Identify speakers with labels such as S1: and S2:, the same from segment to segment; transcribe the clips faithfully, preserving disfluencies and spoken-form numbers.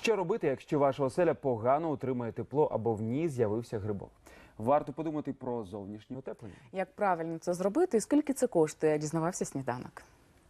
S1: Що робити, якщо ваша оселя погано утримує тепло або в ній з'явився грибок? Варто подумати про зовнішнє утеплення.
S2: Як правильно це зробити і скільки це коштує, дізнавався «Сніданок».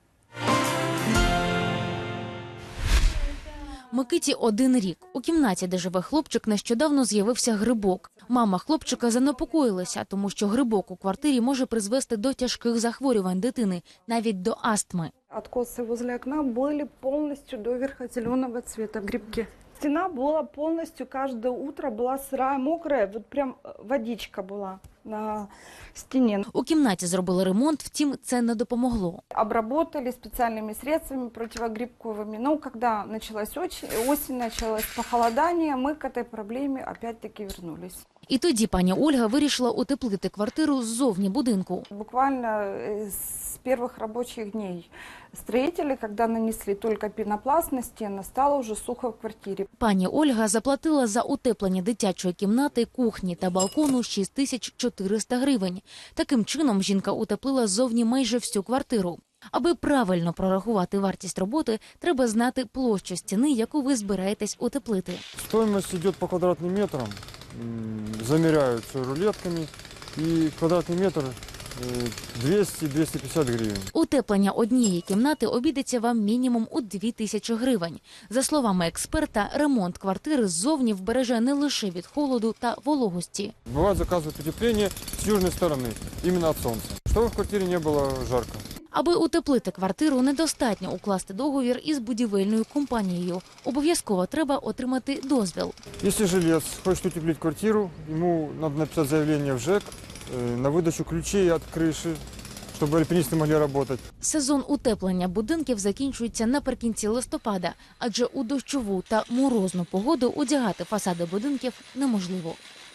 S3: Микиті один рік. У кімнаті, де живе хлопчик, нещодавно з'явився грибок. Мама хлопчика занепокоїлася, тому що грибок у квартирі може призвести до тяжких захворювань дитини, навіть до астми.
S4: Откосы возле окна были полностью доверха зеленого цвета грибки. Стена была полностью, каждое утро была сырая, мокрая, вот прям водичка была на стене.
S3: У кімнаті зробили ремонт, втім, це не допомогло.
S4: Обработали специальными средствами противогрибковыми. Но когда началась осень, осень началось похолодание, мы к этой проблеме опять-таки вернулись.
S3: І тоді пані Ольга вирішила утеплити квартиру ззовні будинку.
S4: Буквально с первых рабочих дней строители, когда нанесли только пенопласт на стены, стало уже сухо в квартире.
S3: Пані Ольга заплатила за утеплення дитячої кімнати, кухні та балкону шість тисяч чотириста гривень. Таким чином жінка утеплила ззовні майже всю квартиру. Аби правильно прорахувати вартість роботи, треба знати площу стіни, яку ви збираєтесь утеплити.
S5: Стоимость идет по квадратным метрам, замеряют все рулетками, и квадратный метр двести — двести пятьдесят гривен.
S3: Утеплення однієї кімнати обійдеться вам мінімум у дві тисячі гривень. За словами експерта, ремонт квартири ззовні вбереже не лише від холоду та вологості.
S5: Бывает, заказывают утепление с южной стороны, именно от солнца, чтобы в квартире не было жарко.
S3: Аби утеплити квартиру, недостатньо укласти договір із будівельною компанією. Обов'язково треба отримати дозвіл.
S5: Если жилец хочет утеплить квартиру, ему надо написать заявление в ЖЭК э, на выдачу ключей от крыши, чтобы альпинисты могли работать.
S3: Сезон утеплення будинків закінчується наприкінці листопада, адже у дощову та морозну погоду одягати фасади будинків неможливо.